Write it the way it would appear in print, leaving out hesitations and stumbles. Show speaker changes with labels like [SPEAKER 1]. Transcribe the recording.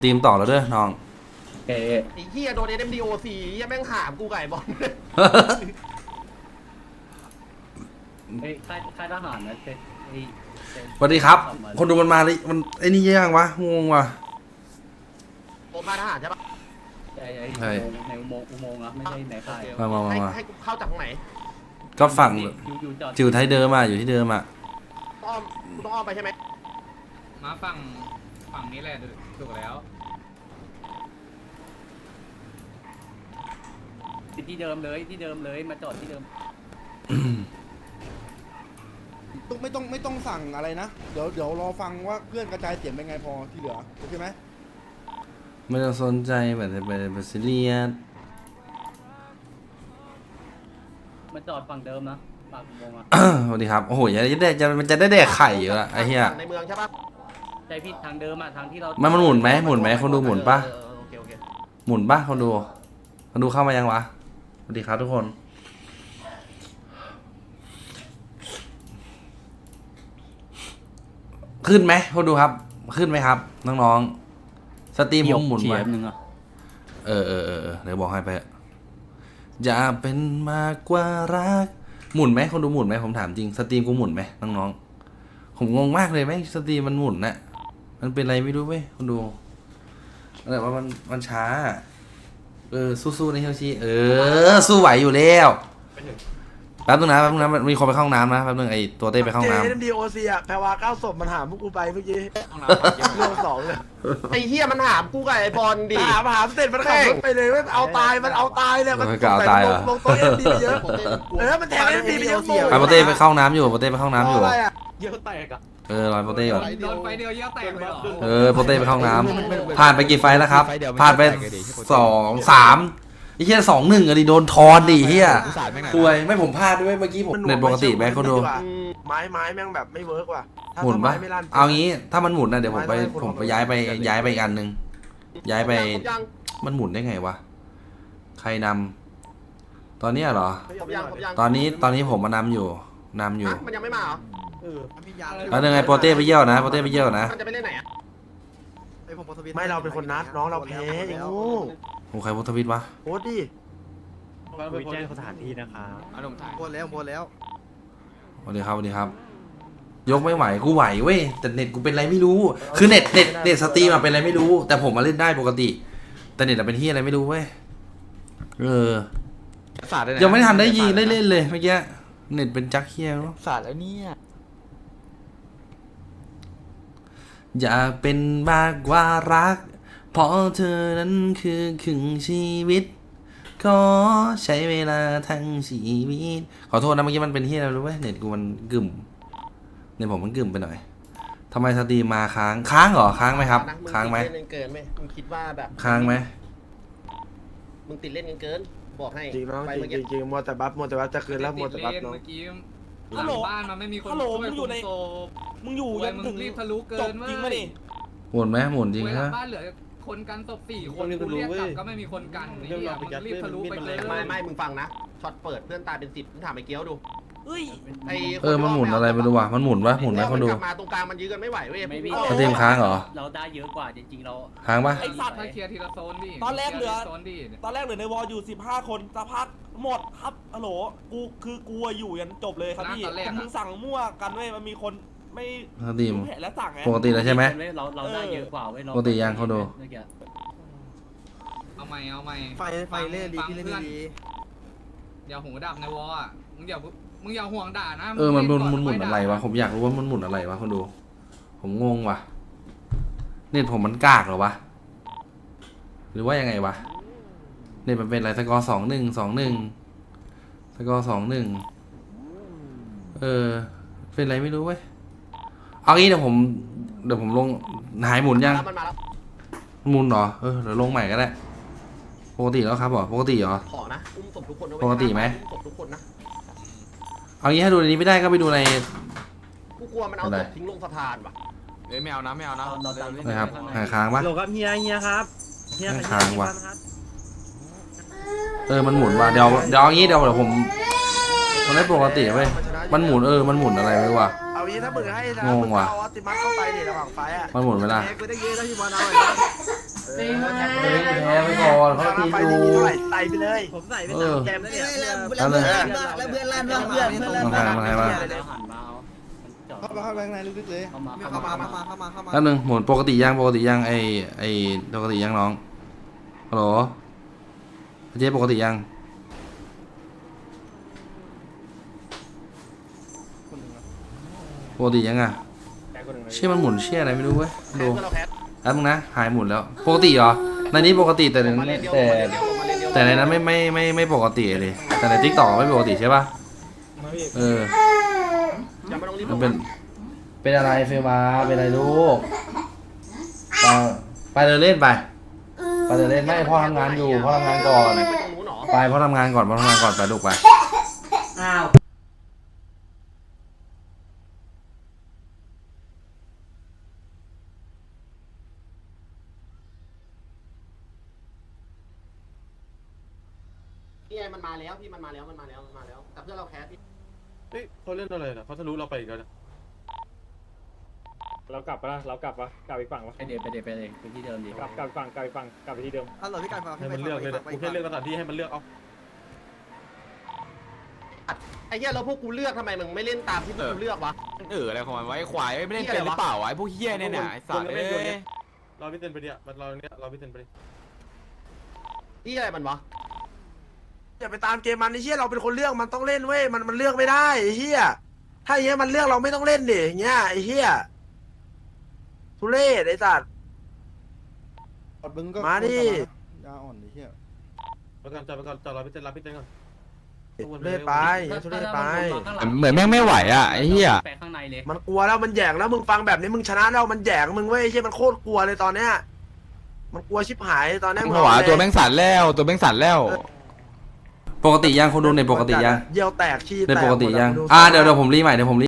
[SPEAKER 1] ตีมต่อแล้วเด้อน้อง
[SPEAKER 2] ไอ้เหี้ยโดน SMDOC เหี้ยแม่งหามกูไก่บอล
[SPEAKER 3] ไอ้ค่ายทหารนะ
[SPEAKER 1] สวัสดีครับคนดูมันมาเลยมันไอ้นี่ยังวะงงวะ
[SPEAKER 2] โอมาทหารใช่ปะ
[SPEAKER 3] ใช่ในอุโมงค์นะไม่ใช่ในค่าย
[SPEAKER 1] มา
[SPEAKER 2] ให้กูเข้าจากตรงไหน
[SPEAKER 1] ก็ฝั่งจิวไทยเดิมมาอยู่ที่เดิมอ่ะ
[SPEAKER 2] ต้องอ้อมไปใช่ไหม
[SPEAKER 4] มาฝั่งนี้แหละถูกแล้ว
[SPEAKER 3] ที่เดิมเลยมาจอดที่เดิม
[SPEAKER 5] ไม่ต้องสั่งอะไรนะเดี๋ยวรอฟังว่าเพื่อนกระจายเสียงเป็นไงพอที่เหลือโอเคไหม
[SPEAKER 1] ไม่ต้องสนใจแบบเป็นซีเรียส
[SPEAKER 3] มาจอดฝั่งเดิมนะปากอุโมงค์อ่ะ
[SPEAKER 1] สวัสดีครับโอ้โหมันจะได้แดกไข่อยู่ละไอ้เหี้ย
[SPEAKER 2] ในเมืองใช่ปะ
[SPEAKER 3] ใช่พี่ทางเดิมอ่ะทางที่เรา
[SPEAKER 1] มันหมุนไหมคนดูหมุนปะ
[SPEAKER 2] โอเค
[SPEAKER 1] หมุนปะคนดูเข้ามายังวะสวัสดีครับทุกคนขึ้นไหมคนดูครับขึ้นไหมครับน้องๆสตรีมผมหมุนไว้เดี๋ยวบอกให้ไปอย่าเป็นมากกว่ารักหมุนไหมคนดูหมุนไหมผมถามจริงสตรีมกูหมุนไหมน้องๆผมงงมากเลยไหมสตรีมมันหมุนนะมันเป็นอะไรไม่รู้เว้ยคนดูอะไรว่ามันช้าสู้ๆในเฮลชีสู้ไหวอยู่แล้วแป๊บนึงนะมีคนไปเข้าห้องน้ำนะแป๊บนึงไอตัวเต้ไปเข้าห้องน้ำ
[SPEAKER 5] JMDOC อ่ะแพรวา9 ศพมันหามพวกกูไปเมื่อกี้เรื่อง2เลย
[SPEAKER 2] ไอ้เหี้ยมันหามกูไก่ไอ้บอลดิ
[SPEAKER 5] หามเสร็จมันขับรถไปเลยมันเอาตายเนี่ยมันลงโต๊ะMDไปเยอะมันแทงMDไปเยอะ
[SPEAKER 1] ไอโปเต้ไปเข้าห้องน้ำอยู่เ
[SPEAKER 4] เยอะแตกอ่ะ
[SPEAKER 1] รอยโปเต้ก่อน
[SPEAKER 4] โดนไฟเดียวเยอะแตกเลย
[SPEAKER 1] โปเต้ไปเข้าห้องน้ำผ่านไปกี่ไฟแล้วครับผ่านไป2 3ไอ้เหี้ย2-1อะดิโดนทอนดิเหี้ยป่วยไม่ผมพลาดด้วยเมื่อกี้ผมเน็ตปกติไหมเขาดู
[SPEAKER 5] ไม้แม่งแบบไม่เวิร์กว่ะ
[SPEAKER 1] หมุนปะเอางี้ถ้ามันหมุนนะเดี๋ยวผมไปย้ายไปอีกอันนึงย้ายไปมันหมุนได้ไงวะใครนำตอนนี้เหรอตอนนี้ผมมานำอยู่
[SPEAKER 2] มันยังไม่มาเหรอ
[SPEAKER 1] แล้วยังไงโปเต้ไปเยี่ยวนะมันจะ
[SPEAKER 2] ไปเล่นไหนอ่ะ
[SPEAKER 5] ไม่เราเป็นคนนัดน้องเราแพ้ยังงู
[SPEAKER 1] โอ้ใครโพสทวิตวะ
[SPEAKER 5] โพสดิ
[SPEAKER 3] คุยแจ้งสถานที่นะคะ
[SPEAKER 5] โพสแล้ว
[SPEAKER 1] สวัสดีครับยกไม่ไหวกูไหวเว้ยแต่เน็ตกูเป็นอะไรไม่รู้คือเน็ตสตรีมเป็นอะไรไม่รู้แต่ผมมาเล่นได้ปกติแต่เน็ตเป็นที่อะไรไม่รู้เว้ยยังไม่ทันได้ยิงได้เล่นเลยเมื่อกี้เน็ตเป็นจักเฮียเนาะ
[SPEAKER 5] ศาสตร์แล้วเนี่ย
[SPEAKER 1] อย่าเป็นมากกว่ารักเพราะเธอนั้นคือครึ่งชีวิตขอใช้เวลาทั้งชีวิตขอโทษนะเมื่อกี้มันเป็นที่อะไรรู้ไหมเน็ตกูมันกึ่มเน็ตผมมันกึ่มไปหน่อยทำไมสตรีมมาค้างเหรอค้างไหมครับค้างไหม
[SPEAKER 2] เกินไหมมึงคิดว่าแบบ
[SPEAKER 1] ค้างไหม
[SPEAKER 2] มึงติดเล่นเกินบอกให้
[SPEAKER 5] จริงน้องจริงมัวแต่บัฟจะคืนแล้วมัวแต่บัฟน้อง
[SPEAKER 4] ฮัลโหลบ้านมันไม่มีคนช่วย
[SPEAKER 6] มึงอยู่
[SPEAKER 4] ยังถึงรีบทะลุเกิน
[SPEAKER 6] จริงไหมดิ
[SPEAKER 1] หมุนไหมหมุนจริงฮะ
[SPEAKER 4] บ้านเหลือคนกันศพ4 คนกูเรียกกลับก็ไม่มีคนกันนี่มึงรีบทะลุไปเลย
[SPEAKER 2] ไม่มึงฟังนะช็อตเปิดเพื่อนตายเป็น10มึงถามไอ้เกี้ยวดู
[SPEAKER 1] มันหมุนอะไรไม่รู้ว่ะมันหมุนปะหมุนไหมคนดู
[SPEAKER 2] มาตรงกลางมันยื้อกันไม่ไหวเว้ย
[SPEAKER 1] สตรีมค้างเหรอ
[SPEAKER 3] เราได้เยอะกว่าจริงๆเรา
[SPEAKER 1] ค้างปะ
[SPEAKER 6] ไอ้สัตว์
[SPEAKER 4] เคลียร์ทีละโซนดิ
[SPEAKER 6] ตอนแรกเหลือในวอลอยู่15 คนสักพักหมดครับฮัลโหลกูอยู่ยันจบเลยครับพี่มึงสั่งมั่วกันเว้ยมันมีคนไม่
[SPEAKER 1] สตรีม
[SPEAKER 6] แล้วสั่งไง
[SPEAKER 1] ปกติแล้วใช่ไหม
[SPEAKER 3] เราได้เยอะกว่าเว้ย
[SPEAKER 1] ปกติยังเขาดู
[SPEAKER 4] เอาใหม่
[SPEAKER 5] ไฟเล่นดีพี่เล่นดี
[SPEAKER 4] อย่าหูดับในวอลอ่ะมึงอย่าห่วงด่านะ
[SPEAKER 1] มันหมุนอะไรวะผมอยากรู้ว่ามันหมุนอะไรวะคนดูผมงงว่ะเน็ตผมมันกากเหรอวะหรือว่ายังไงวะเน็ตมันเป็นอะไรสกอร์2-1สกอร์2-1เป็นอะไรไม่รู้เว้ยเอางี้เดี๋ยวผมลงหายหมุนยังหมุนเหรอเดี๋ยวลงใหม่ก็ได้ปกติแล้วครับปกติเหรอ
[SPEAKER 2] ขอนะอุ้มศพทุกคน
[SPEAKER 1] ปกติไหม
[SPEAKER 2] ศพทุกคนนะ
[SPEAKER 1] เอางี้ถ้าดูในนี้ไม่ได้ก็ไปดูใน
[SPEAKER 2] กูกลัวมันเอาศพทิ้งลงสะพานว่ะ
[SPEAKER 4] ไม่เอานะ
[SPEAKER 1] นะครับค้างปะ
[SPEAKER 6] โหลครับเฮียครับ
[SPEAKER 1] ค้างวะมันหมุนว่ะเดี๋ยวเอางี้เดี๋ยวผมมันไม่ปกติเว้ยมันหมุนมันหมุนอะไรไม่รู้ว่ะ
[SPEAKER 5] เอางี้ถ้ามึงให้
[SPEAKER 1] งงว่ะ
[SPEAKER 5] เอาติมัสเข้าไปเนี่ยระหว่างไฟอ่ะ
[SPEAKER 1] มันหมุนเวลา
[SPEAKER 5] กูได้เยอะแล้วที่บอลเอามาไฟที่มีเท่าไหร่ใส่ไปเลย
[SPEAKER 7] ผมใส่ไป
[SPEAKER 1] เออ
[SPEAKER 7] 3แกมเนี่ย
[SPEAKER 8] แล้วเพื่อนลั่นแล้วเพื่อนลั่นว่าเพื่อนลั่น
[SPEAKER 1] มาให้มา
[SPEAKER 3] หันมาเอามันจอด
[SPEAKER 7] เข้าไปข้างในลึกๆเลย
[SPEAKER 3] เข้ามา
[SPEAKER 7] เข้ามา
[SPEAKER 1] แป๊บนึงหมุนปกติยังปกติยังไอปกติยังน้องฮัลโหลเจ๊ปกติยังปกติยังอ่ะเชี่ยมันหมุนเชี่ยอะไรไม่รู้เว้ยดู
[SPEAKER 2] เพื่อนเราแคส
[SPEAKER 1] แล้วมึงนะหายหมุนแล้วปกติเหรอในนี้ปกติแต่ใน
[SPEAKER 2] มาเล่นเดียว
[SPEAKER 1] แต่
[SPEAKER 2] มาเล่นเดียวมาเล่นเดียว
[SPEAKER 1] แต่ในนั้นไม่ปกติเลยแต่ในทิกตอกไม่ปกติใช่ป่ะเออ
[SPEAKER 2] ยังไม่ต้องรีบ
[SPEAKER 1] มันเป็นอะไรเฟลมาเป็นอะไรลูกไปเดินเล่นไปเดินเล่นไม่พ่อทำงานอยู่พ่อทำงานก่อน
[SPEAKER 2] ไปตรงนู้นหรอ
[SPEAKER 1] ไปพ่อทำงานก่อนไปลูกไป
[SPEAKER 8] อ้าว
[SPEAKER 2] นี่ไงมันมาแล้วพี่มันมาแล้วแต่เพื่อนเราแคสพี่
[SPEAKER 6] เฮ้ยเขาเล่นอะไรนะเขาทะลุเราไปอีกแล้วนะ
[SPEAKER 9] เรากลับปะเรากลับปะกลับอีกฝั่งปะ
[SPEAKER 3] ไปเดไปที่เดิมดี
[SPEAKER 9] กลับฝั่งกลับอีกฝั่งกลับไปที่เดิม
[SPEAKER 7] ฮัลโหลพี่ไก่ฟัง
[SPEAKER 6] ให้มันเลือกเลยนะกูแค่เลือกสถานที่ให้มันเลือกเอา
[SPEAKER 2] ไอ้เหี้ยแล้วพวกกูเลือกทำไมมึงไม่เล่นตามที่พวกกูเลือกวะ
[SPEAKER 10] อะไรของมันไว้ควายไม่เล่นเป็นหรือเปล่าวะไอ้พวกเฮี้ยเนี่ยไอ้สัตว์เอ้ย
[SPEAKER 6] รอพี่เต้นไปเนี่ยมันรอเนี่ยรอพี่เต้นไปดิ
[SPEAKER 2] ที่อะไรมันวะ
[SPEAKER 5] อย่าไปตามเกมมันไอ้เหี้ยเราเป็นคนเลือกมันต้องเล่นเว้ยมันเลือกไม่ได้ไอ้เหี้ยถ้าอย่างเงี้ยมันเลือกเราไม่ต้องเล่นดิอย่างเงี้ยไอ้เหี้ยทุเรศไอ้สัตว์มาดิ
[SPEAKER 7] ยาอ่อนไอ้เหี้ย
[SPEAKER 6] ไปก่อนจอดรอพี่เต้นรับพี่เต้นก่อน
[SPEAKER 5] ทุเรศไปทุเรศไป
[SPEAKER 10] เหมือนแม่งไม่ไหวอ่ะไอ้เหี้ย
[SPEAKER 3] ไปข้างในเลย
[SPEAKER 5] มันกลัวแล้วมันแหยงแล้วมึงฟังแบบนี้มึงชนะแล้วมันแหยงมึงเว้ยไอ้เหี้ยมันโคตรกลัวเลยตอนเนี้ยมันกลัวชิบหายตอนเนี้ย
[SPEAKER 10] หัวตัวแม่งสั่นแล้วตัวแม่งสั่นแล้ว
[SPEAKER 1] ปกติยังคนดูในปกติยัง
[SPEAKER 5] เยี่ยวแตกขี้แตก
[SPEAKER 1] ในปกติยัง
[SPEAKER 5] หมดอะ
[SPEAKER 1] เดี๋ยวผมรีใหม่เดี๋ยวผม